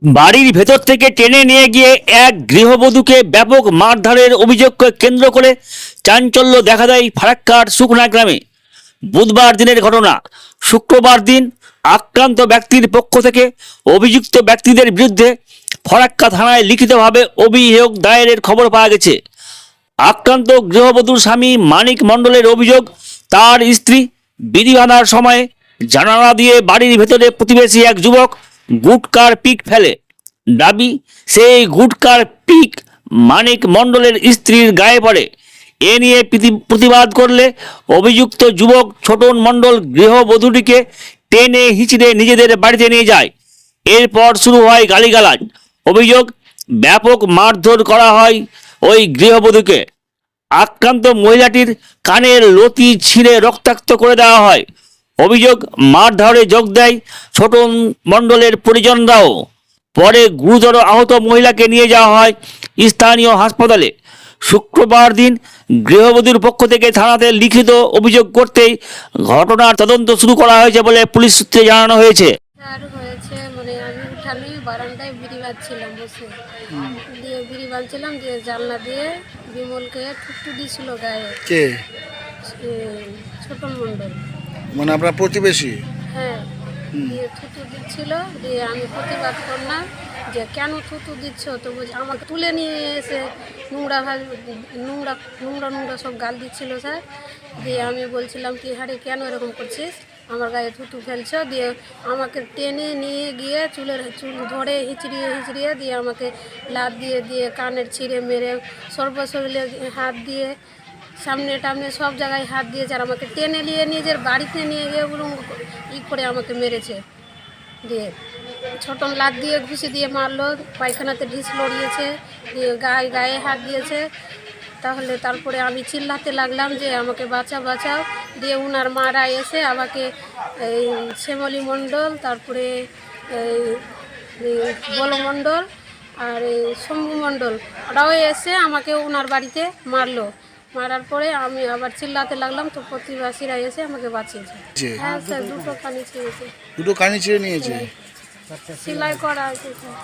বাড়ির ভেতর থেকে টেনে নিয়ে গিয়ে এক গৃহবধূকে ব্যাপক মারধরের অভিযোগকে কেন্দ্র করে চাঞ্চল্য দেখা দেয় ফারাক্কার শুকনা গ্রামে। বুধবার দিনের ঘটনা। শুক্রবার দিন আক্রান্ত ব্যক্তির পক্ষ থেকে অভিযুক্ত ব্যক্তিদের বিরুদ্ধে ফরাক্কা থানায় লিখিতভাবে অভিযোগ দায়েরের খবর পাওয়া গেছে। আক্রান্ত গৃহবধূর স্বামী মানিক মণ্ডলের অভিযোগ, তার স্ত্রী বিড়ি বাঁধার সময় জানালা দিয়ে বাড়ির ভেতরে প্রতিবেশী এক যুবক গুটকার পিক ফেলে। দাবি, সেই গুটকার পিক মানিক মণ্ডলের স্ত্রীর গায়ে পড়ে। এ নিয়ে প্রতিবাদ করলে অভিযুক্ত যুবক ছোটন মণ্ডল গৃহবধূটিকে টেনে হিঁচড়ে নিজেদের বাড়িতে নিয়ে যায়। এরপর শুরু হয় গালিগালাজ। অভিযোগ, ব্যাপক মারধর করা হয় ওই গৃহবধূকে। আক্রান্ত মহিলাটির কানের লতি ছিঁড়ে রক্তাক্ত করে দেওয়া হয়। অভিযোগ, মারধরে যোগ দেয় ছোটন মণ্ডলের পরিজনরাও। পরে গুরুতর আহত মহিলাকে নিয়ে যাওয়া হয় স্থানীয় হাসপাতালে। শুক্রবার দিন গৃহবধূর পক্ষ থেকে থানাতে লিখিত অভিযোগ করতেই ঘটনার তদন্ত শুরু করা হয়েছে বলে পুলিশ সূত্রে জানানো হয়েছে। আর হয়েছে মানে আমি উঠানে বারান্দায় বিড়ি বাঁধছিলাম বসে, দিয়ে বিড়ি বাঁধছিলাম, দিয়ে জানলা দিয়ে বিমলকে ঠুকটু দিয়েছিল গায়ে। কে? ছোটন মণ্ডল। মানে আপনার প্রতিবেশী? হ্যাঁ, দিয়ে থুতু দিচ্ছিল, দিয়ে আমি প্রতিবাদ করলাম যে কেন থুতু দিচ্ছ, তো বলছি আমাকে তুলে নিয়ে এসে নোংরা নোংরা নোংরা নোংরা সব গাল দিচ্ছিল স্যার। দিয়ে আমি বলছিলাম কি হারে কেন এরকম করছিস, আমার গায়ে থুতু ফেলছো। দিয়ে আমাকে টেনে নিয়ে গিয়ে চুল ধরে হিচড়িয়ে হিচড়িয়ে দিয়ে আমাকে লাত দিয়ে দিয়ে কানের ছিঁড়ে মেরে সর্বশরীরে হাত দিয়ে সামনে টামনে সব জায়গায় হাত দিয়েছে। আর আমাকে টেনে নিয়ে নিজের বাড়িতে নিয়ে গিয়ে করে আমাকে মেরেছে। দিয়ে ছোটন লাত দিয়ে ঘুষি দিয়ে মারলো, পায়খানাতে ঢিস লড়িয়েছে, দিয়ে গায়ে হাত দিয়েছে। তারপরে আমি চিল্লাতে লাগলাম যে আমাকে বাঁচাও। দিয়ে উনার মারা এসে আমাকে এই শ্যামলী মণ্ডল, তারপরে বল মণ্ডল আর এই শম্ভু মণ্ডল, ওরাও এসে আমাকে উনার বাড়িতে মারার পরে আমি আবার চিল্লাতে লাগলাম, তো প্রতিবাসীরা এসে আমাকে বাঁচিয়েছে। হ্যাঁ স্যার, দুটো কানি ছিঁড়েছে। দুটো কানি ছিঁড়ে নিয়েছে? সেলাই করা আছে স্যার।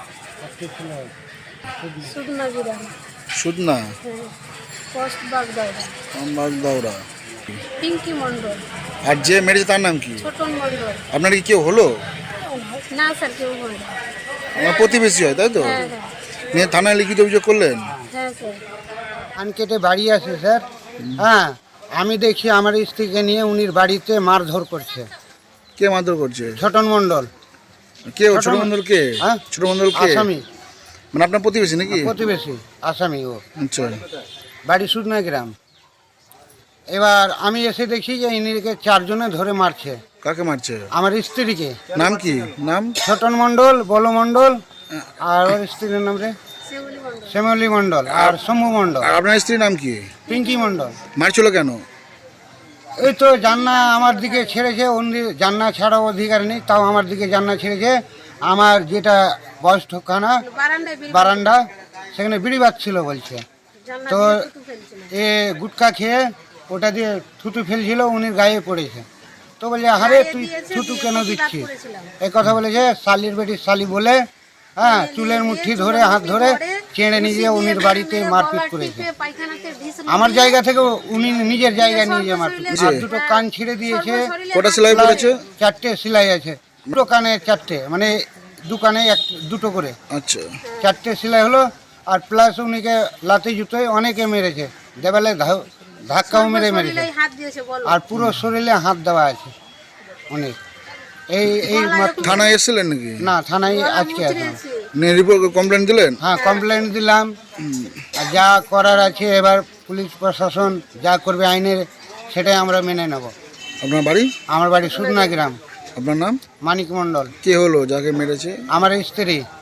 সুদনা গ্রাম। সুদনা? হ্যাঁ, পোস্ট বাগদাওরা। পিঙ্কি মণ্ডল। আর যে মেরেছে তার নাম কি? ছোটন মণ্ডল। আপনার কি কেউ হলো? না স্যার, কেউ হয়নি। আমার প্রতিবেশী হয়, তাই তো? হ্যাঁ হ্যাঁ নিয়ে থানায় লিখিত অভিযোগ করলেন? হ্যাঁ স্যার। ধান কেটে বাড়ি আসে স্যার। হ্যাঁ, আমি দেখি আমার স্ত্রীকে নিয়ে উনির বাড়িতে মারধর করছে। কে মারধর করছে? ছোটন মণ্ডল। কে? ছোট মণ্ডল কে? হ্যাঁ, ছোট মণ্ডল কে? আসামি। মানে আপনার প্রতিবেশী নাকি? প্রতিবেশী, আসামি ও। আচ্ছা, বাড়ি সুদনা গ্রাম। এবার আমি এসে দেখি যে ইনিকে চারজনে ধরে মারছে। কাকে মারছে? আমার স্ত্রীকে। নাম কি? নাম? ছোটন মণ্ডল, বল মণ্ডল, আর ওর স্ত্রীর নাম রে শ্যামলী মণ্ডল, আর শম্ভু মণ্ডল। আর আপনার স্ত্রীর নাম কি? পিঙ্কি মণ্ডল। মারছিল কেন? এই তো জান্না আমার দিকে ছেড়েছে, অন্য জান্না ছাড়াও অধিকার নেই, তাও আমার দিকে জান্না ছেড়েছে। আমার যেটা বয়সখানা বারান্দা, সেখানে বিড়ি বাজছিল বলছে, তো এ গুটকা খেয়ে ওটা দিয়ে থুতু ফেলছিল, উনি গায়ে পড়েছে। তো বলছে আরে তুই থুতু কেন দিচ্ছিস, এই কথা বলেছে। শালির বেটির শালি বলে, হ্যাঁ, চুলের মুঠি ধরে হাত ধরে চেড়ে নিয়ে গিয়ে উনির বাড়িতে মারপিট করেছে। আমার জায়গা থেকে উনি নিজের জায়গায় নিয়ে গিয়ে মারপিট করেছে। আর দুটো কান ছিঁড়ে দিয়েছে। কটা সেলাই পড়েছে? 4টে সেলাই আছে। দুটো কানে 4টে, মানে দুকানে দুটো করে। আচ্ছা, 4টে সেলাই হলো। আর প্লাস উনিকে লাথি জুতোয় অনেকে মেরেছে, দেওয়ালে ধাক্কাও মেরেছে। আর পুরো শরীরে হাত দেওয়া আছে অনেক। এই থানায় এসেছিলেন নাকি? না, থানায় আজকে আসলাম। রিপোর্ট কমপ্লেন দিলেন? হ্যাঁ, কমপ্লেন দিলাম। আর যা করার আছে এবার পুলিশ প্রশাসন যা করবে আইনের, সেটাই আমরা মেনে নেব। আপনার বাড়ি? আমার বাড়ি সুদনা গ্রাম। আপনার নাম? মানিক মণ্ডল। কে হলো যাকে মেরেছে? আমার স্ত্রী।